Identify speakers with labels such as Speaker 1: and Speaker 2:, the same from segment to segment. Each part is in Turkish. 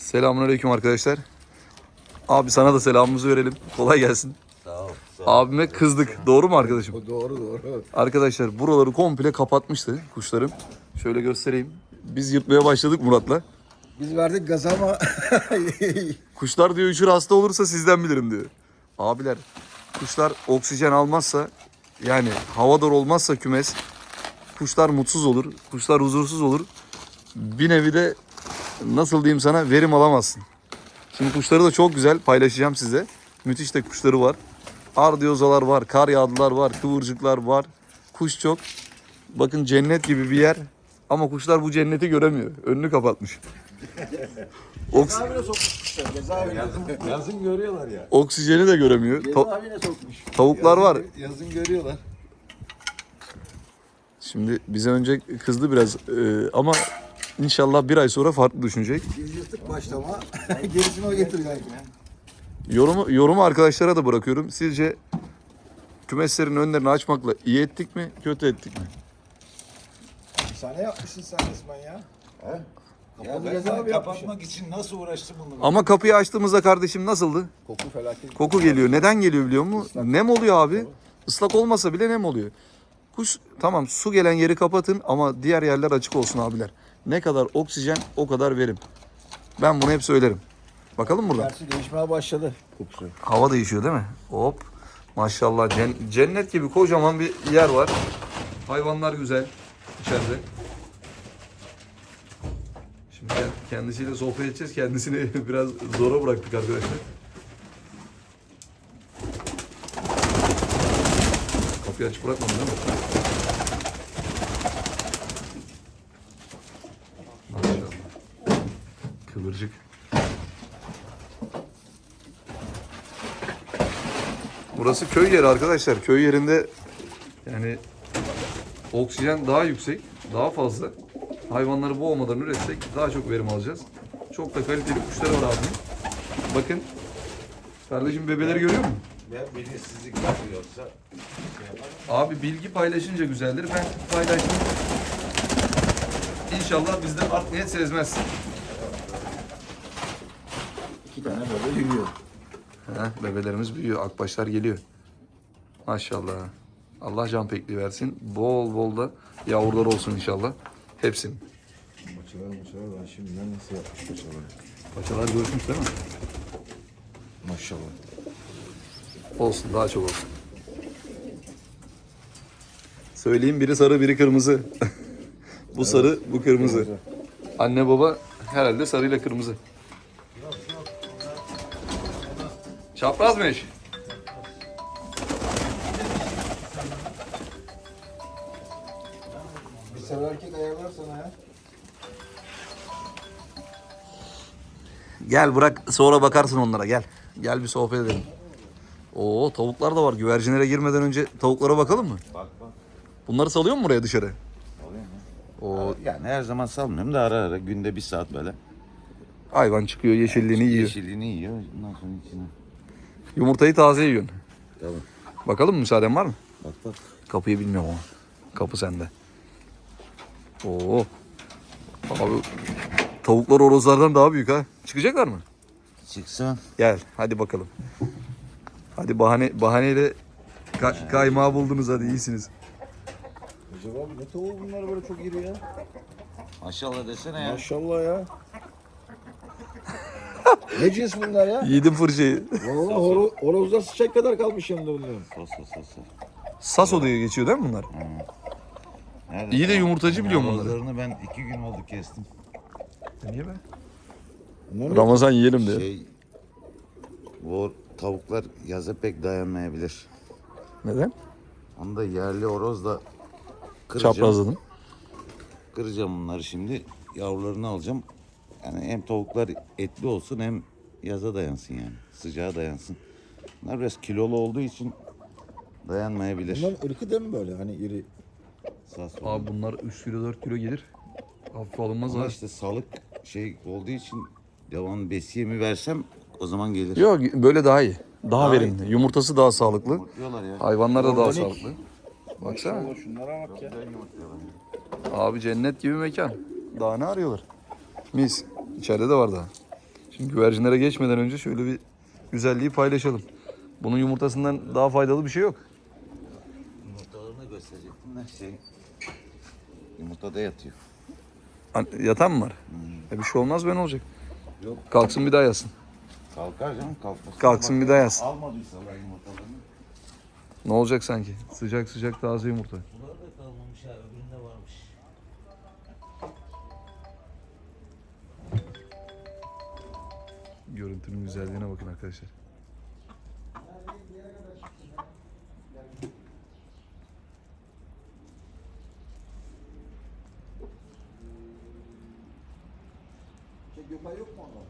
Speaker 1: Selamünaleyküm arkadaşlar. Abi sana da selamımızı verelim. Kolay gelsin.
Speaker 2: Sağ ol.
Speaker 1: Abime kızdık. Doğru mu arkadaşım?
Speaker 3: Doğru.
Speaker 1: Arkadaşlar buraları komple kapatmıştı kuşlarım. Şöyle göstereyim. Biz yırtmaya başladık Murat'la.
Speaker 3: Biz verdik gaz ama
Speaker 1: Kuşlar diyor üşür hasta olursa sizden bilirim diyor. Abiler kuşlar oksijen almazsa yani havadar olmazsa kümes kuşlar mutsuz olur. Kuşlar huzursuz olur. Bir nevi de nasıl diyeyim sana verim alamazsın. Şimdi kuşları da çok güzel paylaşacağım size. Müthiş de kuşları var. Ardiyozalar var, kar yağdılar var, kıvırcıklar var. Kuş çok. Bakın cennet gibi bir yer. Ama kuşlar bu cenneti göremiyor. Önünü kapatmış.
Speaker 3: cezaevine sokmuşlar. Cezaevine.
Speaker 2: Yazın görüyorlar ya.
Speaker 1: Oksijeni de göremiyor.
Speaker 3: Cezaevine sokmuş.
Speaker 1: Tavuklar var.
Speaker 2: Yazın görüyorlar.
Speaker 1: Şimdi bize önce kızdı biraz ama inşallah bir ay sonra farklı düşünecek.
Speaker 3: Biz yırtık başta ama gerisini o getirecek.
Speaker 1: Yorumu arkadaşlara da bırakıyorum. Sizce kümeslerin önlerini açmakla iyi ettik mi, kötü ettik mi?
Speaker 3: Bir saniye yapmışsın sen resmen ya. He?
Speaker 2: Ya
Speaker 3: Kapalı
Speaker 2: ben
Speaker 3: cezaevi
Speaker 2: kapatmak için nasıl uğraştım bunu?
Speaker 1: Ama kapıyı açtığımızda kardeşim nasıldı?
Speaker 3: Koku felaket.
Speaker 1: Koku geliyor. Neden geliyor biliyor musun? Nem oluyor abi. Islak olmasa bile nem oluyor. Kuş tamam su gelen yeri kapatın ama diğer yerler açık olsun abiler. Ne kadar oksijen o kadar verim. Ben bunu hep söylerim. Bakalım burada.
Speaker 3: Gerçi değişmeye başladı kokusu.
Speaker 1: Hava değişiyor değil mi? Hop. Maşallah cennet gibi kocaman bir yer var. Hayvanlar güzel içeride. Şimdi kendisiyle sohbet edeceğiz. Kendisini biraz zora bıraktık arkadaşlar. Kapıyı açık bırakmadın değil mi? Maşallah. Kıvırcık. Burası köy yeri arkadaşlar. Köy yerinde yani oksijen daha yüksek, daha fazla. Hayvanları boğmadan üretsek daha çok verim alacağız. Çok da kaliteli kuşları var abi. Bakın. Kardeşim bebeleri görüyor musun?
Speaker 2: Ya bilinçsizlik yapıyorsa
Speaker 1: Abi bilgi paylaşınca güzeldir. Ben paylaştım. İnşallah bizden art niyet sezmez.
Speaker 3: 2 tane böyle yürüyor.
Speaker 1: Bebelerimiz büyüyor. Akbaşlar geliyor. Maşallah. Allah can pekli versin. Bol bol da yavrular olsun inşallah. Hepsinin.
Speaker 3: Paçalar ben şimdiden nasıl yapmış paçaları.
Speaker 1: Paçalar görüşmüş değil mi?
Speaker 3: Maşallah.
Speaker 1: Olsun, daha çok olsun. Söyleyeyim biri sarı, biri kırmızı. Bu sarı, bu kırmızı. Anne baba herhalde sarıyla kırmızı. Çapraz mı eş?
Speaker 3: Bir sarı erkek ayarlar sana ya.
Speaker 1: Gel bırak sonra bakarsın onlara gel. Gel bir sohbet edelim. Oo tavuklar da var. Güvercinlere girmeden önce tavuklara bakalım mı?
Speaker 2: bak.
Speaker 1: Bunları salıyor mu buraya dışarı?
Speaker 2: Oluyor mu?
Speaker 1: O
Speaker 2: Yani her zaman salmıyorum da ara ara günde 1 saat böyle.
Speaker 1: hayvan çıkıyor yeşilliğini yiyor.
Speaker 2: Yeşilliğini yiyor. Ondan sonra içine.
Speaker 1: Yumurtayı taze yiyorsun.
Speaker 2: Tabii.
Speaker 1: Bakalım müsaaden var mı?
Speaker 2: Bak.
Speaker 1: Kapıyı bilmiyorum ama. Kapı sende. Oo. Abi tavuklar horozlardan daha büyük ha. Çıkacaklar mı?
Speaker 2: Çıksan.
Speaker 1: Gel hadi bakalım. Hadi bahaneyle kaymağı buldunuz hadi iyisiniz.
Speaker 3: Acaba abi ne tavuğu bunlar böyle çok iri ya.
Speaker 2: Maşallah desene ya.
Speaker 3: Maşallah ya. Ne cins bunlar ya?
Speaker 1: Yedim fırçayı.
Speaker 3: Vallahi horozlar sıçacak kadar kalmış yanında bunların.
Speaker 2: Sos.
Speaker 1: Saso diye geçiyor değil mi bunlar?
Speaker 2: Nerede?
Speaker 1: İyi de yumurtacı biliyorum bunları.
Speaker 2: Horozlarını ben 2 gün oldu kestim.
Speaker 1: Niye be?
Speaker 3: Bunlar ne?
Speaker 1: Ramazan yiyelim diye.
Speaker 2: Bu tavuklar yaza pek dayanmayabilir.
Speaker 1: Neden?
Speaker 2: Onu da yerli horozla kıracağım.
Speaker 1: Çaprazladın.
Speaker 2: Kıracağım bunları şimdi. Yavrularını alacağım. Yani hem tavuklar etli olsun hem yaza dayansın yani. Sıcağa dayansın. Bunlar biraz kilolu olduğu için dayanmayabilir.
Speaker 3: Bunların ırkı değil mi böyle hani iri?
Speaker 2: Sağ sol.
Speaker 1: Abi bunlar 3 kilo 4 kilo gelir. Hafif alınmaz
Speaker 2: Ama
Speaker 1: ha.
Speaker 2: işte salık olduğu için devam besiyemi versem o zaman gelir.
Speaker 1: Yok böyle daha iyi. Daha
Speaker 2: Daha
Speaker 1: verimli. Yumurtası daha sağlıklı.
Speaker 2: Yumurtluyorlar ya.
Speaker 1: Hayvanlar da daha
Speaker 3: Organik.
Speaker 1: sağlıklı. Baksana.
Speaker 3: Maşallah şunlara bak ya.
Speaker 2: Güzel yumurtluyorlar.
Speaker 1: Abi cennet gibi mekan. Daha ne arıyorlar? Mis. İçeride de var daha. Şimdi güvercinlere geçmeden önce şöyle bir güzelliği paylaşalım. Bunun yumurtasından daha faydalı bir şey yok.
Speaker 2: Yumurtalarını gösterecektim de yumurtada yatıyor.
Speaker 1: Yatan mı var? Bir şey olmaz, ben olacak.
Speaker 2: Yok.
Speaker 1: Kalksın bir daha yatsın.
Speaker 2: Kalkar canım kalkmasın.
Speaker 1: Kalksın bir daha yatsın.
Speaker 2: Almadıysalar yumurtalarını.
Speaker 1: Ne olacak sanki? Sıcak sıcak taze yumurta.
Speaker 2: Bunlar da kalmamış ha, öbüründe varmış.
Speaker 1: Görüntünün güzelliğine bakın arkadaşlar.
Speaker 3: Gökay yok mu orada?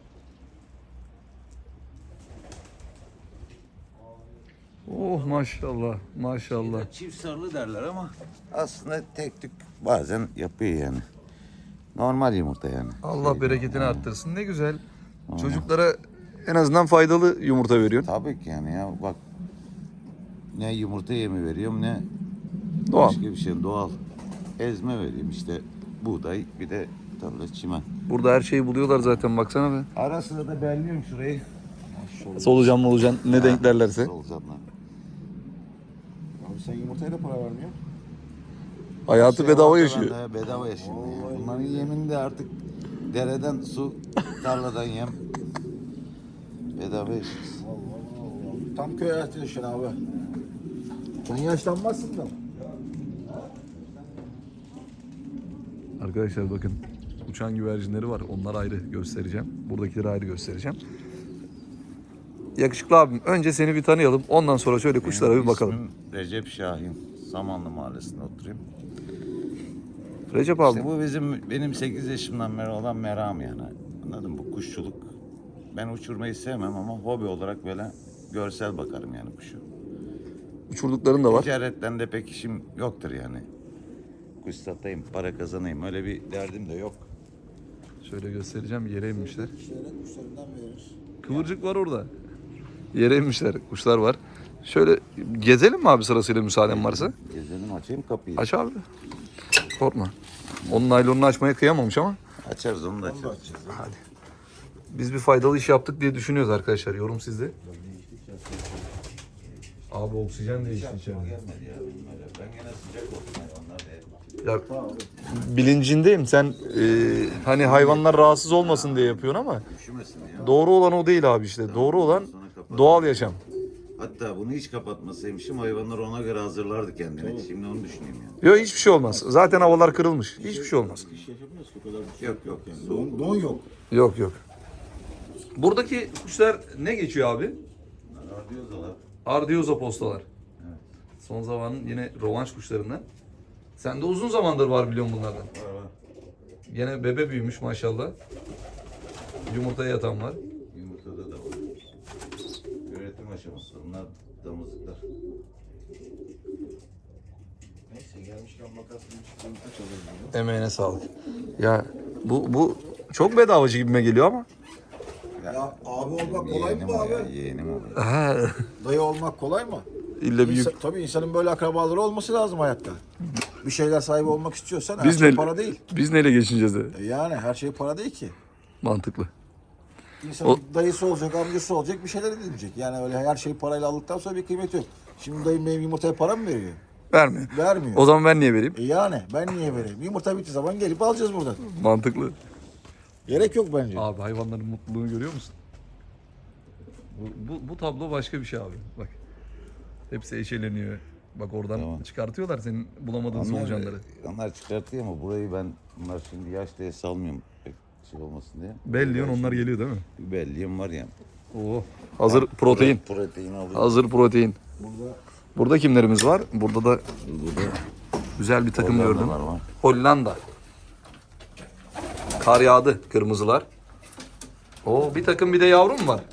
Speaker 1: Oh maşallah maşallah.
Speaker 2: Çift sarılı derler ama aslında tek tük bazen yapıyor yani. Normal yumurta yani.
Speaker 1: Allah bereketini arttırsın. Ne güzel. Çocuklara en azından faydalı yumurta veriyorsun.
Speaker 2: Tabii ki yani ya bak. Ne yumurta yemi veriyorum ne
Speaker 1: Doğal.
Speaker 2: başka bir şey doğal. Ezme vereyim işte buğday bir de tarla çimen.
Speaker 1: Burada her şeyi buluyorlar zaten, baksana be.
Speaker 2: Ara sıra da belliyorum şurayı.
Speaker 1: Solucan molucan ne denk derlerse.
Speaker 2: Solucanlar.
Speaker 3: Abi sen yumurtayla para vermiyor.
Speaker 1: Hayatı bedava yaşıyor.
Speaker 2: Ortadan da bedava yaşıyor. Yani. Bunların yemini de artık dereden su, tarladan yem. Bedava yaşıyoruz.
Speaker 3: Tam köy hayatı yaşıyorsun abi. Sen yaşlanmazsın da.
Speaker 1: Arkadaşlar bakın, uçan güvercinleri var. Onlar ayrı göstereceğim. Buradakileri ayrı göstereceğim. Yakışıklı abim, önce seni bir tanıyalım. Ondan sonra şöyle kuşlara bir
Speaker 2: Benim
Speaker 1: bakalım.
Speaker 2: ismim Recep Şahin. Samanlı Mahallesi'nde oturuyorum.
Speaker 1: Recep abi.
Speaker 2: İşte bu benim 8 yaşımdan beri olan meram yani. Anladın mı? Bu kuşçuluk. Ben uçurmayı sevmem ama hobi olarak böyle görsel bakarım yani kuşu.
Speaker 1: Uçurdukların da var.
Speaker 2: Ticaretten de pek işim yoktur yani. Kuş satayım, para kazanayım öyle bir derdim de yok.
Speaker 1: Şöyle göstereceğim. Yere inmişler.
Speaker 3: Kuşlara kuşlarından verir.
Speaker 1: Kıvırcık var orada. Yere inmişler. Kuşlar var. Şöyle gezelim mi abi, sırasıyla müsaaden varsa?
Speaker 2: Gezelim açayım kapıyı.
Speaker 1: Aç abi. Korkma. Onun naylonunu açmaya kıyamamış ama.
Speaker 2: Açarız onu da açarız.
Speaker 1: Hadi. Biz bir faydalı iş yaptık diye düşünüyoruz arkadaşlar. Yorum sizde. Abi oksijen değişti içeride.
Speaker 2: Gelmedi ya benim öyle. Ben gene sıcak olsun hayvanlar da.
Speaker 1: Ya bilincindeyim. Sen hani hayvanlar rahatsız olmasın diye yapıyorsun ama
Speaker 2: Üşümesin ya.
Speaker 1: doğru olan o değil abi işte. Doğru olan doğal yaşam.
Speaker 2: Hatta bunu hiç kapatmasaymışım hayvanlar ona göre hazırlardı kendini. Şimdi onu düşüneyim yani.
Speaker 1: Yok, hiçbir şey olmaz. Zaten havalar kırılmış. Hiçbir şey olmaz.
Speaker 3: İş yaşamıyoruz ki o kadar bir şey
Speaker 2: Yok yok.
Speaker 3: yani.
Speaker 2: Soğuk.
Speaker 3: Don yok.
Speaker 1: Yok yok. Buradaki kuşlar ne geçiyor abi?
Speaker 2: Radyozalar.
Speaker 1: Ardioza postalar.
Speaker 2: Evet.
Speaker 1: Son zamanın yine rovanş kuşlarından. Sende uzun zamandır var biliyorum bunlardan.
Speaker 2: Var var.
Speaker 1: Gene bebe büyümüş maşallah. Yumurtaya yatan var.
Speaker 2: Yumurtada da var. Üretim aşaması. Bunlar damızlıklar.
Speaker 3: Neyse gelmişken makasını çıkıyorum. Kaç alırım bunu?
Speaker 1: Emeğine sağlık. Ya bu çok bedavacı gibime geliyor ama.
Speaker 3: Ya abi olmak kolay mı
Speaker 2: Yeğenim
Speaker 3: bu
Speaker 2: o
Speaker 3: abi?
Speaker 2: ya. Yeğenim o.
Speaker 1: Ha,
Speaker 3: Dayı olmak kolay mı?
Speaker 1: İlle büyük.
Speaker 3: Tabii insanın böyle akrabaları olması lazım hayatta. Bir şeyler sahibi olmak istiyorsan her
Speaker 1: Biz
Speaker 3: şey
Speaker 1: ne,
Speaker 3: para değil.
Speaker 1: biz neyle geçineceğiz de?
Speaker 3: Yani her şey para değil ki.
Speaker 1: Mantıklı.
Speaker 3: İnsanın dayısı olacak, amcası olacak, bir şeyler edilecek. Yani öyle her şeyi parayla aldıktan sonra bir kıymeti yok. Şimdi dayım benim yumurtaya para mı veriyor?
Speaker 1: Vermiyor.
Speaker 3: Vermiyor.
Speaker 1: O zaman ben niye vereyim?
Speaker 3: Yani ben niye vereyim? Yumurta bittiği zaman gelip alacağız buradan.
Speaker 1: Mantıklı.
Speaker 3: Gerek yok bence.
Speaker 1: Abi hayvanların mutluluğunu görüyor musun? Bu tablo başka bir şey abi. Bak. Hepsi eşeleniyor. Bak oradan
Speaker 2: Tamam.
Speaker 1: çıkartıyorlar senin bulamadığın solucanları.
Speaker 2: Onlar çıkartıyor ama burayı bunlar şimdi yaş diye salmıyorum pek şey olmasın diye.
Speaker 1: Belliyon onlar geliyor değil mi?
Speaker 2: Bir belliyim var ya.
Speaker 1: Oo. Hazır protein.
Speaker 2: Protein alıyorum.
Speaker 1: Hazır protein.
Speaker 3: Burada
Speaker 1: Burada kimlerimiz var? Burada da
Speaker 2: Burada
Speaker 1: güzel bir takım gördüm.
Speaker 2: Hollandalar var.
Speaker 1: Hollanda. Kar yağdı kırmızılar. Oo, bir takım bir de yavrum var.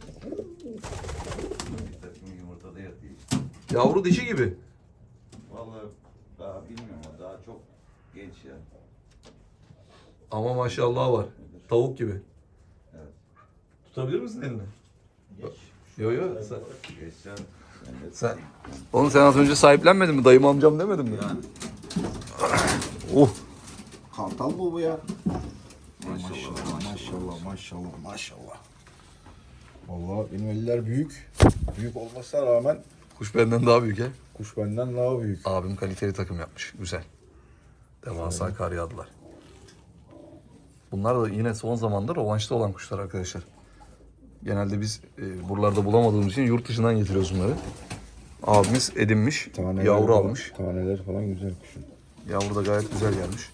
Speaker 2: Bir takım yumurtada yatıyor.
Speaker 1: Yavru dişi gibi.
Speaker 2: Vallahi daha bilmiyorum ama daha çok genç ya.
Speaker 1: Ama maşallah var. Tavuk gibi.
Speaker 2: Evet.
Speaker 1: Tutabilir misin elini? Yok yok.
Speaker 2: Geçen
Speaker 1: Sen, oğlum sen az önce sahiplenmedin mi? Dayım amcam demedin mi?
Speaker 2: yani
Speaker 1: Oh.
Speaker 3: kartal mı bu ya?
Speaker 2: maşallah
Speaker 3: Maşallah maşallah maşallah. Vallahi benim eller büyük. Büyük olmasına rağmen
Speaker 1: Kuş benden daha büyük he.
Speaker 3: kuş benden daha büyük.
Speaker 1: Abim kaliteli takım yapmış. Güzel. Devasa kar yağdılar. Bunlar da yine son zamanda rovanşta olan kuşlar arkadaşlar. Genelde biz buralarda bulamadığımız için yurt dışından getiriyoruz bunları. Abimiz edinmiş, yavru
Speaker 3: falan,
Speaker 1: almış.
Speaker 3: Taneler falan güzel kuşun.
Speaker 1: Yavru da gayet güzel gelmiş.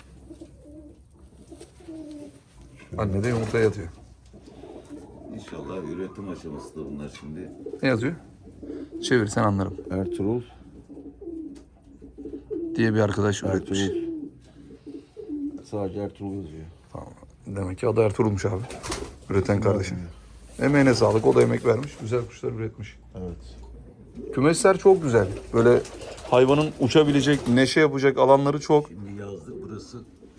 Speaker 1: Anne de yumurtaya yatıyor.
Speaker 2: İnşallah üretim aşamasında bunlar şimdi.
Speaker 1: Ne yazıyor? Çevir sen anlarım
Speaker 3: Ertuğrul.
Speaker 1: diye bir arkadaş üretmiş.
Speaker 3: Sadece Ertuğrul yazıyor.
Speaker 1: Tamam. Demek ki adı Ertuğrul'muş abi. Üreten kardeşim. Emeğine sağlık. O da emek vermiş. Güzel kuşlar üretmiş.
Speaker 3: Evet.
Speaker 1: Kümesler çok güzel. Böyle hayvanın uçabilecek, neşe yapacak alanları çok.
Speaker 2: Şimdi yazlık burası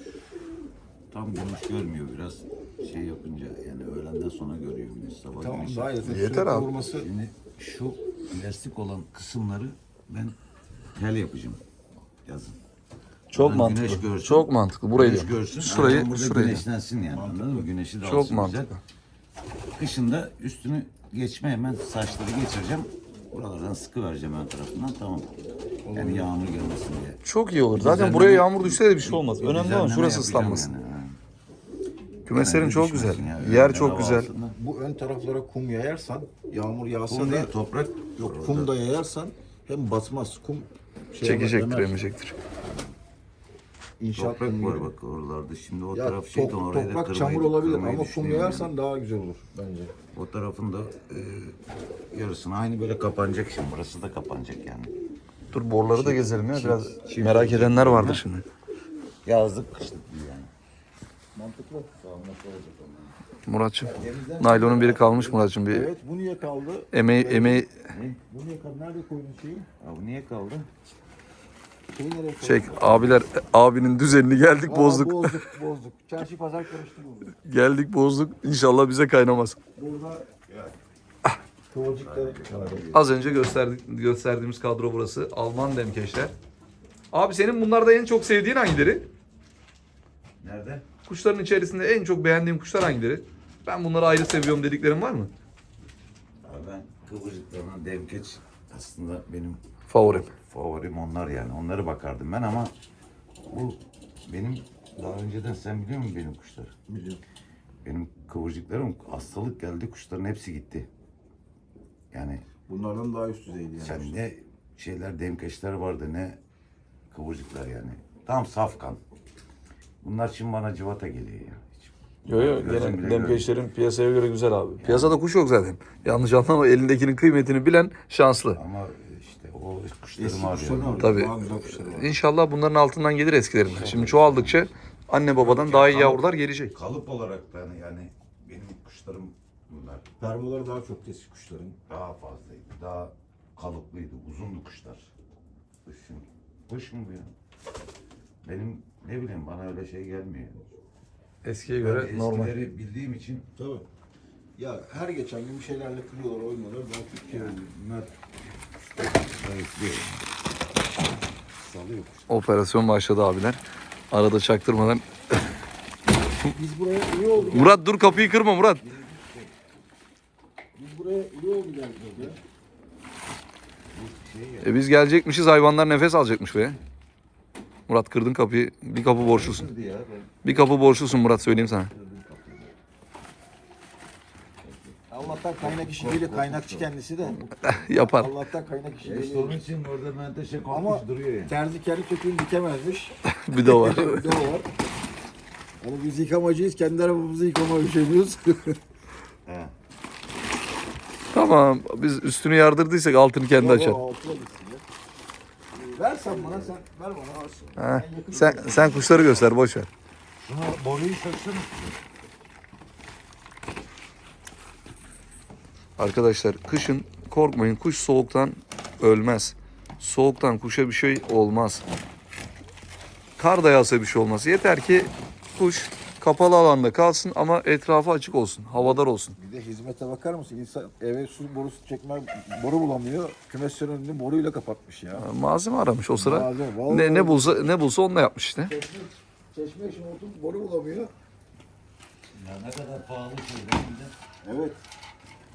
Speaker 2: tam güneş görmüyor biraz şey yapınca yani öğlenden sonra görüyor güneş sabah
Speaker 3: Tamam
Speaker 2: güneşi.
Speaker 3: daha yeter.
Speaker 1: Yeter
Speaker 3: Sürekli
Speaker 1: abi.
Speaker 3: vurması.
Speaker 2: Şimdi şu plastik olan kısımları ben tel yapacağım yazın.
Speaker 1: Çok
Speaker 2: Buradan
Speaker 1: mantıklı.
Speaker 2: güneş görsün.
Speaker 1: Çok mantıklı. Burayı
Speaker 2: Güneş
Speaker 1: diyorum.
Speaker 2: görsün.
Speaker 1: Şurayı,
Speaker 2: aynen burada
Speaker 1: şurayı.
Speaker 2: güneşlensin yani anladın mı? Güneşi de
Speaker 1: Çok
Speaker 2: alsın
Speaker 1: mantıklı.
Speaker 2: güzel. Kışında üstünü geçme hemen saçları geçireceğim. Buralardan sıkı vereceğim ön tarafından tamam. Yani yağmur gelmesin diye.
Speaker 1: Çok iyi olur. Zaten
Speaker 2: Düzenleme-
Speaker 1: buraya yağmur düşse de bir şey olmaz.
Speaker 2: Bir
Speaker 1: Önemli olan
Speaker 2: düzenleme
Speaker 1: şurası
Speaker 2: yapacağım
Speaker 1: ıslanmasın.
Speaker 2: yani, ha.
Speaker 1: Kümeslerin
Speaker 2: Yani
Speaker 1: çok
Speaker 2: düşmesin
Speaker 1: güzel.
Speaker 2: ya,
Speaker 1: Yer
Speaker 2: öyle
Speaker 1: çok
Speaker 2: hava
Speaker 1: güzel.
Speaker 2: altında.
Speaker 3: Bu ön taraflara kum yayarsan, yağmur yağsa
Speaker 2: Kum
Speaker 3: da
Speaker 2: değil toprak.
Speaker 3: yok kum da yayarsan hem batmaz kum
Speaker 1: Çekecektir,
Speaker 3: demez.
Speaker 1: emecektir.
Speaker 3: İnşaat
Speaker 2: Toprak
Speaker 3: kumu
Speaker 2: var
Speaker 3: gibi.
Speaker 2: bak oralarda. Şimdi o
Speaker 3: Ya
Speaker 2: taraf şey orayı da
Speaker 3: toprak çamur
Speaker 2: kırmayı
Speaker 3: olabilir ama kum
Speaker 2: düşünüyorum
Speaker 3: yayarsan
Speaker 2: yani.
Speaker 3: daha güzel olur bence.
Speaker 2: O tarafın da yarısını aynı böyle kapanacak şimdi. Burası da kapanacak yani.
Speaker 1: Dur borları da gezelim ya. Biraz
Speaker 2: çift
Speaker 1: merak
Speaker 2: olacak
Speaker 1: edenler
Speaker 2: yani.
Speaker 1: vardır şimdi.
Speaker 2: Yazlık kışlık değil yani.
Speaker 3: Mantıklı.
Speaker 1: Muratçım. Naylonun biri kalmış Muratçım. Bir
Speaker 3: Evet bu niye kaldı?
Speaker 1: emeği
Speaker 3: Bu niye kaldı? Nerede koydun şeyi?
Speaker 2: Ya bu niye kaldı?
Speaker 3: Şeyi nereye koydun?
Speaker 1: çek. Abiler abinin düzenini geldik
Speaker 3: Aa,
Speaker 1: bozduk.
Speaker 3: bozduk. Çarşı pazar karıştı bu.
Speaker 1: Geldik bozduk. İnşallah bize kaynamaz.
Speaker 3: Burada kıvırcıkları
Speaker 1: Az önce gösterdiğimiz kadro burası. Alman demkeşler. Abi senin bunlarda en çok sevdiğin hangileri?
Speaker 2: Nerede?
Speaker 1: Kuşların içerisinde en çok beğendiğin kuşlar hangileri? Ben bunları ayrı seviyorum dediklerin var mı?
Speaker 2: Abi ben kıvırcıklarına devkeç aslında benim
Speaker 1: Favorim.
Speaker 2: favorim onlar yani. Onları bakardım ben ama bu benim daha önceden sen biliyor musun benim kuşları?
Speaker 3: biliyorum.
Speaker 2: Benim kıvırcıklarım hastalık geldi kuşların hepsi gitti. Yani
Speaker 3: Bunlardan daha üst düzeydi yani.
Speaker 2: sen ne şeyler demkeşler vardı ne kıvırcıklar yani. Tam saf kan. Bunlar şimdi bana cıvata geliyor ya. Hiç.
Speaker 1: Yo yo
Speaker 2: Gözüm bile
Speaker 1: gene
Speaker 2: görmüyor.
Speaker 1: demkeşlerin piyasaya göre güzel abi. Piyasada kuş yok zaten. Yanlış anlama elindekinin kıymetini bilen şanslı.
Speaker 2: Ama işte o kuşlarımı
Speaker 3: Eski kuşlarını
Speaker 2: arıyorum.
Speaker 3: aldım.
Speaker 1: Tabii.
Speaker 3: Daha güzel kuşları var.
Speaker 1: İnşallah bunların altından gelir eskilerinden. Şimdi çoğaldıkça anne babadan daha iyi yavrular gelecek.
Speaker 2: Kalıp olarak da yani benim kuşlarım bunlar
Speaker 3: Permoları daha çok eski kuşların.
Speaker 2: daha fazlaydı. Daha kalıplıydı. Uzundu kuşlar. Kuşun. Kuş mu bu ya? Benim ne bileyim bana öyle şey gelmiyor.
Speaker 1: Eskiye
Speaker 2: Ben
Speaker 1: göre normal.
Speaker 2: eskileri bildiğim için
Speaker 3: Tabii. Ya her geçen gün bir şeylerle kırıyorlar, oynuyorlar. Daha Türkiye
Speaker 2: bunlar zayıflıyor.
Speaker 3: salıyor.
Speaker 1: Operasyon başladı abiler. Arada çaktırmadan.
Speaker 3: Biz buraya iyi oldu.
Speaker 1: Murat dur kapıyı kırma Murat.
Speaker 3: Biz buraya iyi oldu geldik ya.
Speaker 1: Biz gelecekmişiz hayvanlar nefes alacakmış be. Murat kırdın kapıyı. Bir kapı borçlusun.
Speaker 2: Ya,
Speaker 1: Bir kapı borçlusun Murat söyleyeyim sana.
Speaker 3: Allah'tan kaynak işi değil, kaynakçı kendisi de.
Speaker 1: Yapar.
Speaker 3: Allah'tan kaynak işi
Speaker 2: işte
Speaker 3: değil.
Speaker 2: onun için orada menteşe
Speaker 3: Ama
Speaker 2: kopmuş duruyor ya.
Speaker 3: terzi kendi kökünü dikemezmiş.
Speaker 1: Bir de o var.
Speaker 3: Bir de o var. Hani biz yıkamacıyız, kendi arabamızı yıkama üşeniyoruz.
Speaker 2: He.
Speaker 1: Tamam biz üstünü yardırdıysak altını kendi açar.
Speaker 3: Altına gitsin ya. Ver sen bana, sen ver bana alsın.
Speaker 1: Ha, sen kuşları göster boş ver.
Speaker 2: Şuna boruyu söksene.
Speaker 1: Arkadaşlar kışın korkmayın kuş soğuktan ölmez. Soğuktan kuşa bir şey olmaz. Kar da yağsa bir şey olmaz. Yeter ki kuş kapalı alanda kalsın ama etrafı açık olsun. Havadar olsun.
Speaker 3: Bir de hizmete bakar mısın? İnsan eve su borusu çekme, boru bulamıyor. Kümeslerin önünü boruyla kapatmış ya.
Speaker 1: Malzeme aramış o sıra.
Speaker 3: Malzeme, vallahi.
Speaker 1: Ne bulsa onunla yapmış işte.
Speaker 3: Çeşme için oturup boru bulamıyor.
Speaker 2: Ya ne kadar pahalı şeyler bir de.
Speaker 3: Evet.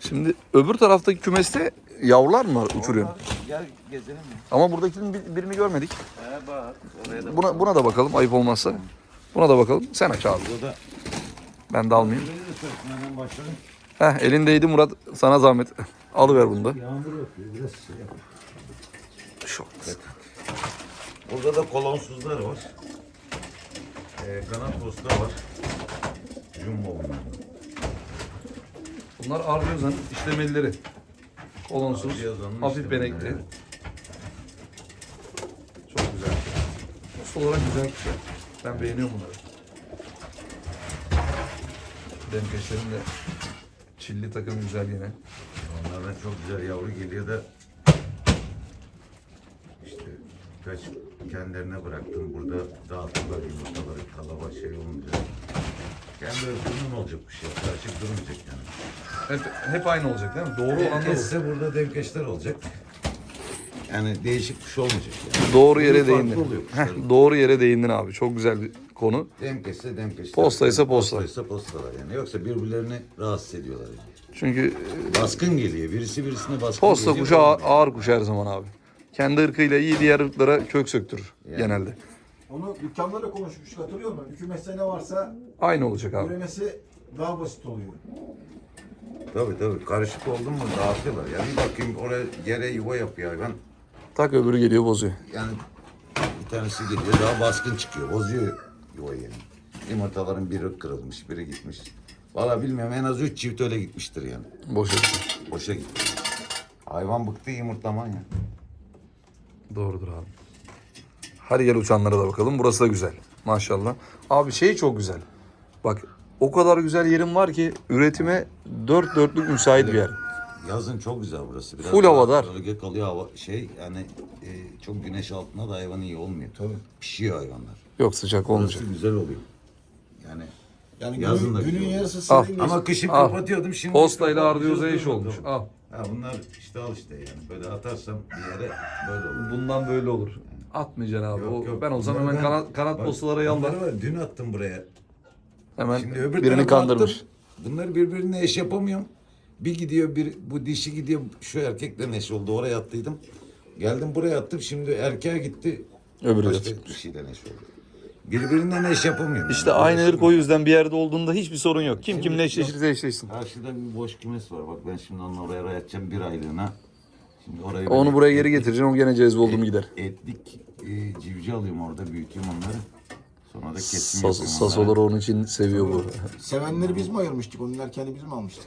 Speaker 1: Şimdi öbür taraftaki kümeste yavrular mı var uçuruyor?
Speaker 2: Gel gezelim mi?
Speaker 1: Ama buradakinin birini görmedik.
Speaker 2: Bak. Oraya da
Speaker 1: Buna da bakalım ayıp olmazsa. Buna da bakalım. Sen aç abi.
Speaker 2: Burada
Speaker 1: Ben de almayayım.
Speaker 2: Burayı da sırtından başladım.
Speaker 1: Heh, elindeydi Murat. Sana zahmet. Alıver bunu da.
Speaker 2: Yağmur yapıyor. Biraz şey yap.
Speaker 1: Şu olmaz.
Speaker 2: Burada da kolonsuzlar var. Kanat posta var. Jumbo bunlar.
Speaker 1: Bunlar Ardiozan işlemelileri. Kolonsuz,
Speaker 2: Ardiozan'ın
Speaker 1: hafif
Speaker 2: işlemeleri,
Speaker 1: benekli.
Speaker 2: evet.
Speaker 1: Çok güzel. Post olarak güzel kuşlar. Ben beğeniyorum bunları. Demkeşlerin de çilli takım güzel yine.
Speaker 2: Onlardan çok güzel yavru geliyor da işte kaç kendilerine bıraktım. Burada dağıttılar yumurtaları kalaba şey olunca. Kendi özgürlüğün olacak bir şey. Karışık durmayacak yani.
Speaker 1: Hep aynı olacak değil mi? Doğru olan da bu.
Speaker 2: Demkeşse burada demkeşler olacak. Yani değişik bir şey olmayacak yani.
Speaker 1: Doğru yere
Speaker 2: Farklı
Speaker 1: değindin.
Speaker 2: oluyor
Speaker 1: Heh,
Speaker 2: kuşların.
Speaker 1: doğru yere değindin abi. Çok güzel bir konu.
Speaker 2: Demkeşse demkeşler.
Speaker 1: Postaysa posta.
Speaker 2: Postaysa postalar yani. Yoksa birbirlerini rahatsız ediyorlar yani.
Speaker 1: Çünkü
Speaker 2: Baskın geliyor. Birisi birisine baskın
Speaker 1: posta
Speaker 2: geliyor.
Speaker 1: kuşu ağır kuş her zaman abi. Kendi ırkıyla iyi diğer ırklara kök söktürür genelde.
Speaker 3: Onu dükkanlarla konuşmuştuk, hatırlıyor musun? Hükümetse ne varsa
Speaker 1: Aynı olacak abi.
Speaker 3: üremesi daha basit oluyor.
Speaker 2: Tabii. Karışık oldu mu dağıtıyorlar. Yani bir bakayım oraya yere yuva yapıyor hayvan.
Speaker 1: Tak öbürü geliyor bozuyor.
Speaker 2: Yani bir tanesi geliyor daha baskın çıkıyor. Bozuyor yuvayı yani. Yumurtaların biri kırılmış, biri gitmiş. Vallahi bilmiyorum en az 3 çift öyle gitmiştir yani.
Speaker 1: Boşa.
Speaker 2: Boşa gitti. Hayvan bıktı yumurtlaman ya.
Speaker 1: Doğrudur abi. Hadi gel uçanlara da bakalım. Burası da güzel. Maşallah. Abi şey çok güzel. Bak o kadar güzel yerim var ki üretime dört dörtlük müsait bir yer.
Speaker 2: Yazın çok güzel burası. Biraz
Speaker 1: Full
Speaker 2: daha
Speaker 1: havadar.
Speaker 2: Bölge kalıyor hava yani çok güneş altında da hayvan iyi olmuyor. Tabii. Pişiyor hayvanlar.
Speaker 1: Yok sıcak olmayacak.
Speaker 2: Burası güzel oluyor. Yani
Speaker 3: Yani
Speaker 2: Yazın da
Speaker 3: günün
Speaker 2: güzel
Speaker 3: yarısı
Speaker 1: Al.
Speaker 3: serin
Speaker 2: ama kışın
Speaker 1: Al.
Speaker 2: kapatıyordum şimdi.
Speaker 1: Postayla
Speaker 2: kapatmayacağız,
Speaker 1: Ardiyoza eş
Speaker 2: dur
Speaker 1: olmuş.
Speaker 2: bakalım.
Speaker 1: Al.
Speaker 2: Ha bunlar işte al işte yani. Böyle atarsam bir yere böyle olur.
Speaker 1: Bundan böyle olur. Atmayacaksın abi.
Speaker 2: Yok.
Speaker 1: Ben olsam
Speaker 2: Bunları
Speaker 1: hemen
Speaker 2: ben-
Speaker 1: kanat
Speaker 2: bak,
Speaker 1: postalara yalvar.
Speaker 2: bunları var, dün attım buraya.
Speaker 1: Hemen
Speaker 2: Şimdi öbür
Speaker 1: birini
Speaker 2: tarafa
Speaker 1: kandırmış.
Speaker 2: attım. Bunları birbirine eş yapamıyorum. Bir gidiyor bu dişi gidiyor şu erkekle eş oldu. Oraya attıydım. Geldim buraya attım. Şimdi erkeğe gitti.
Speaker 1: Öbürü de
Speaker 2: Başka
Speaker 1: çıkmış.
Speaker 2: dişiyle eş oldu. Birbirinden eş yapamıyorum.
Speaker 1: İşte
Speaker 2: yani.
Speaker 1: aynı ırk o
Speaker 2: Uğraşamıyorum.
Speaker 1: yüzden bir yerde olduğunda hiçbir sorun yok. Kim
Speaker 2: Şimdi
Speaker 1: kimle eşleşirse eşleşsin.
Speaker 2: Karşıda bir boş kümes var. Bak ben şimdi onunla oraya ayıracağım bir aylığına. Şimdi orayı
Speaker 1: Onu
Speaker 2: böyle
Speaker 1: buraya geri getireceksin. O gene cezbe oldu mu gider.
Speaker 2: etlik civciv alıyorum orada büyütüyorum onları. Sonra da kesim
Speaker 1: Sas,
Speaker 2: yapıyorum
Speaker 1: sasoları onun için seviyor bu.
Speaker 3: Sevenleri biz mi ayırmıştık? Onun erkeğini biz mi almıştık?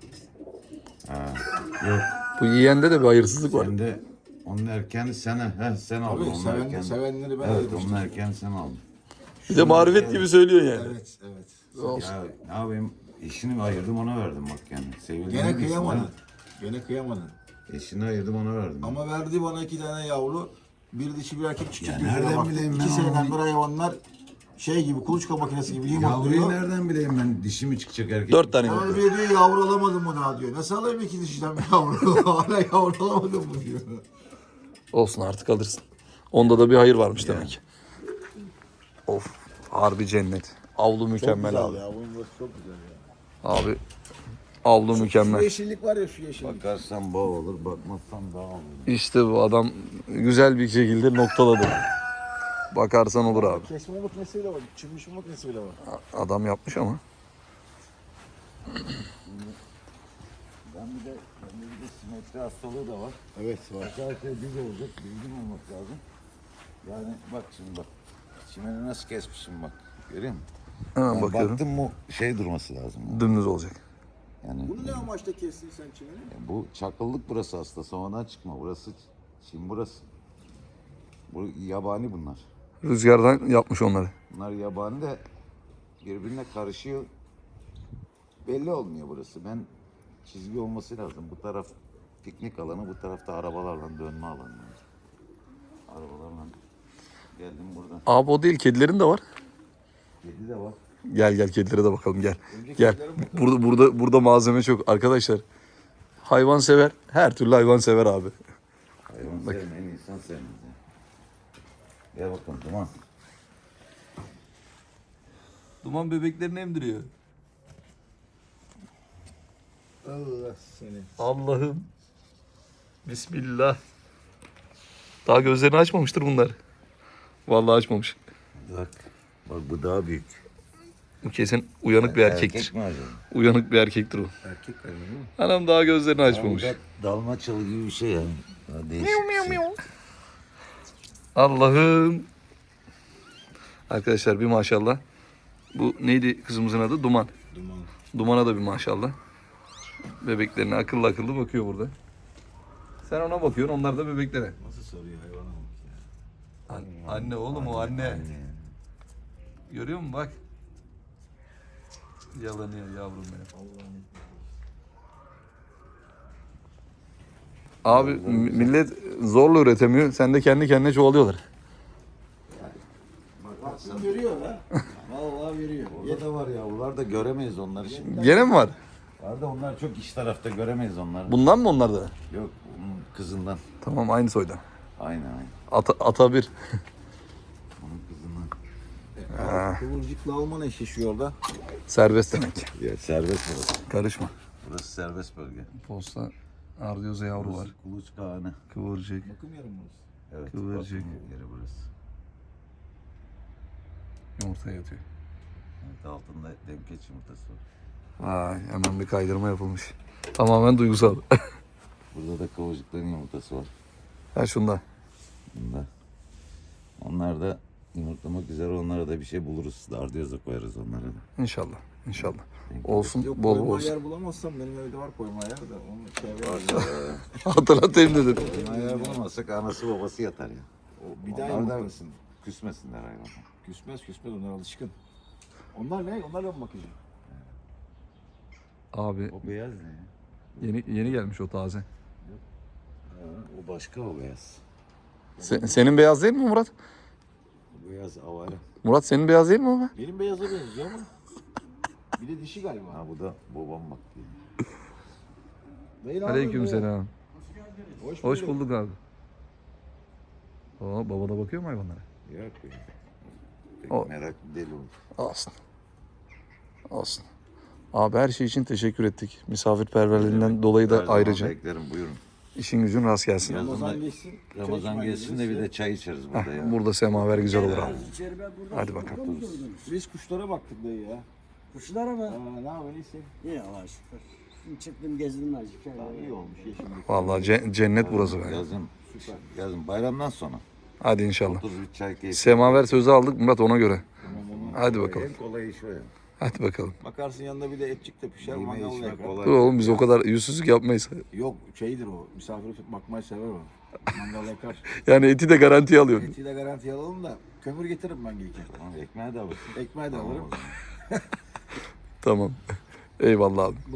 Speaker 2: Yok.
Speaker 1: Bu yiyende de bir hayırsızlık var.
Speaker 2: Sen de onun erkeğini sen aldın.
Speaker 3: Tabii
Speaker 2: Onun erkeğini.
Speaker 3: sevenleri ben
Speaker 2: Evet
Speaker 3: ayırmıştım.
Speaker 2: onun erkeğini sen aldın.
Speaker 1: Bir de marifet gibi söylüyorsun yani.
Speaker 3: Evet.
Speaker 2: Ya ne yapayım eşini ayırdım ona verdim bak yani. Sevildiğini
Speaker 3: Gene
Speaker 2: bilsin,
Speaker 3: kıyamadın.
Speaker 2: ha.
Speaker 3: Gene kıyamadın.
Speaker 2: Eşini ayırdım ona verdim.
Speaker 3: Ama verdi bana 2 tane yavru. Bir dişi bir erkek çıkacak.
Speaker 2: Ya nereden
Speaker 3: Bak,
Speaker 2: bileyim ben
Speaker 3: 2 seneden
Speaker 2: onu?
Speaker 3: beri hayvanlar şey gibi kuluçka makinesi gibi
Speaker 2: Yavruyu
Speaker 3: yumurtluyor.
Speaker 2: nereden bileyim ben dişi mi çıkacak erkek?
Speaker 1: 4 tane
Speaker 3: Sonra
Speaker 1: yumurta.
Speaker 3: diyor yavru alamadım mı daha diyor. Nasıl alayım 2 dişiden bir yavru? Hala yavru alamadım mı diyor.
Speaker 1: Olsun artık alırsın. Onda da bir hayır varmış demek ki. Of. Harbi cennet. Avlu mükemmel abi.
Speaker 3: ya. Bunun burası çok güzel ya.
Speaker 1: Abi avlu
Speaker 3: Şu
Speaker 1: mükemmel.
Speaker 3: yeşillik var ya şu yeşillik.
Speaker 2: Bakarsan bağ olur, bakmazsan dağ olur.
Speaker 1: İşte bu adam güzel bir şekilde noktaladı. Bakarsan olur abi.
Speaker 3: Kesme makinesi bile var. Çimmiş makinesi bile var.
Speaker 1: Adam yapmış ama.
Speaker 2: Bende bir de simetri hastalığı da var.
Speaker 3: Evet var.
Speaker 2: Arkadaşlar düz olacak, düzgün olmak lazım. Yani bak şimdi bak. Çimeni nasıl kesmişim bak. Görüyor musun?
Speaker 1: Hemen
Speaker 2: Yani
Speaker 1: bakıyorum.
Speaker 2: baktım mı şey durması lazım.
Speaker 1: Dümdüz olacak.
Speaker 2: Yani
Speaker 3: Bunu ne amaçla kestin sen çimeni?
Speaker 2: bu çakıllık burası aslında. Sonradan çıkma. Burası Çin burası. Bu yabani bunlar.
Speaker 1: Rüzgardan yapmış onları.
Speaker 2: Bunlar yabani de birbirine karışıyor. Belli olmuyor burası. Ben çizgi olması lazım. Bu taraf piknik alanı, bu tarafta arabalarla dönme alanı. Yani. Arabalarla geldim buradan.
Speaker 1: Abi o değil, kedilerin de var.
Speaker 2: Kedi de var.
Speaker 1: Gel kedilere de bakalım gel. Gel. Burada malzeme çok arkadaşlar. Hayvan sever. Her türlü hayvan sever abi.
Speaker 2: Hayvan sevmeyen insan sevmez. Ya. Gel bakalım tamam.
Speaker 1: Duman bebeklerini emdiriyor.
Speaker 3: Allah seni.
Speaker 1: Allah'ım. Bismillah. Daha gözlerini açmamıştır bunlar. Vallahi açmamış.
Speaker 2: Bak. Bak bu daha büyük.
Speaker 1: Bu kesin uyanık bir erkektir.
Speaker 2: Erkek mi acaba?
Speaker 1: Uyanık bir erkektir o.
Speaker 3: Erkek galiba değil mi?
Speaker 1: Anam daha gözlerini açmamış.
Speaker 2: Bu da dalmaçalı gibi bir şey yani. Daha değişik bir şey.
Speaker 1: Allah'ım. Arkadaşlar bir maşallah. Bu neydi kızımızın adı? Duman.
Speaker 3: Duman.
Speaker 1: Dumana da bir maşallah. Bebeklerine akıllı akıllı bakıyor burada. Sen ona bakıyorsun, onlar da bebeklere.
Speaker 3: Nasıl soruyor hayvana bak ya.
Speaker 1: Anne oğlum o anne. Görüyor musun bak. Yalanıyor yavrum benim. Abi millet zorla üretemiyor. Sen de kendi kendine çoğalıyorlar.
Speaker 3: Baksın görüyor ha. Vallahi veriyor.
Speaker 2: Orada da var yavrular da göremeyiz onları şimdi.
Speaker 1: Gene mi var?
Speaker 2: Var da onlar çok iç tarafta göremeyiz onları.
Speaker 1: Bundan mı onlar da?
Speaker 2: Yok bunun kızından.
Speaker 1: Tamam aynı soydan.
Speaker 2: Aynen aynen.
Speaker 1: Ata bir.
Speaker 2: Onun kızından.
Speaker 3: Kıvırcıkla Alman eşleşiyor orada.
Speaker 1: Serbest demek.
Speaker 2: Ya serbest burası.
Speaker 1: Karışma.
Speaker 2: Burası serbest bölge.
Speaker 1: Posta ardiyoza yavru var.
Speaker 2: Burası kuluçka anı.
Speaker 1: Kıvırcık.
Speaker 3: Bakım yarım burası.
Speaker 2: Evet.
Speaker 1: Kıvırcık.
Speaker 2: bakım yeri burası.
Speaker 1: Yumurtaya yatıyor.
Speaker 2: Evet, altında demkeç yumurtası var.
Speaker 1: Vay hemen bir kaydırma yapılmış. Tamamen duygusal.
Speaker 2: Burada da kıvırcıkların yumurtası var.
Speaker 1: Ha şunda.
Speaker 2: Bunda. Onlar da yumurtlamak üzere, onlara da bir şey buluruz. Dardiyoza koyarız onlara da.
Speaker 1: İnşallah. İnşallah. Olsun
Speaker 3: Yok
Speaker 1: bol
Speaker 3: koyma
Speaker 1: bol olsun.
Speaker 3: yer bulamazsam benim evde var koyma yer de onu şey var.
Speaker 1: Hatırlatayım dedim.
Speaker 2: Eğer bulamazsak anası babası yatar ya.
Speaker 3: O bir daha
Speaker 2: Onlar da
Speaker 3: yumurtlasın.
Speaker 2: küsmesinler hayvanlar.
Speaker 3: Küsmez onlar alışkın. Onlar ne? Onlarla mı bakacağım?
Speaker 1: Abi
Speaker 2: O beyaz ne ya?
Speaker 1: yeni gelmiş o taze.
Speaker 2: O başka, o beyaz.
Speaker 1: Senin beyaz değil mi Murat?
Speaker 2: O beyaz avara.
Speaker 1: Murat senin beyaz değil mi o be?
Speaker 3: Benim beyaza benziyor ama. Bir de dişi galiba.
Speaker 2: Ha bu da babam bak diye.
Speaker 3: Dayı ne
Speaker 1: Aleykümselam.
Speaker 3: Hoş,
Speaker 1: Hoş bulduk abi. Oo, baba da bakıyor mu hayvanlara?
Speaker 2: Yok ya. Pek
Speaker 1: O-
Speaker 2: merak deli oldu.
Speaker 1: Olsun. Olsun. Abi her şey için teşekkür ettik. Misafirperverliğinden dolayı da
Speaker 2: Her zaman
Speaker 1: ayrıca.
Speaker 2: beklerim, buyurun.
Speaker 1: İşin gücün rast gelsin.
Speaker 2: Yazın
Speaker 3: Ramazan
Speaker 2: da-
Speaker 3: geçsin.
Speaker 2: Ramazan gelsin de bir de çay içeriz burada ya.
Speaker 1: Burada semaver güzel olur abi. Hadi bakalım.
Speaker 3: Biz kuşlara baktık dayı ya.
Speaker 4: Kuşlara mı?
Speaker 3: Ne yapayım iyisin?
Speaker 4: İyi Allah'a şükür. Şimdi çıktım gezdim azıcık.
Speaker 3: İyi olmuş yeşillik.
Speaker 1: Vallahi cennet burası be.
Speaker 2: Yazın, yazın bayramdan sonra.
Speaker 1: Hadi inşallah.
Speaker 2: Otururuz bir çay keyfi.
Speaker 1: Semaver sözü aldık Murat ona göre. Hadi bakalım.
Speaker 2: En kolay iş o ya.
Speaker 1: Hadi bakalım.
Speaker 3: Bakarsın yanında bir de etçik de pişer
Speaker 2: Yeme
Speaker 3: mangal
Speaker 2: içmek
Speaker 3: yakar.
Speaker 2: kolay.
Speaker 1: Dur oğlum biz o kadar yüzsüzlük yapmayız.
Speaker 3: Yok şeydir o. Misafir bakmayı sever o. Mangal yakar.
Speaker 1: Yani eti de garantiye alıyorsun.
Speaker 3: Eti de garanti alalım da kömür getiririm ben gelirken.
Speaker 2: Tamam, ekmeği de alırsın.
Speaker 3: Ekmeği de alırım.
Speaker 1: Tamam. Eyvallah abi.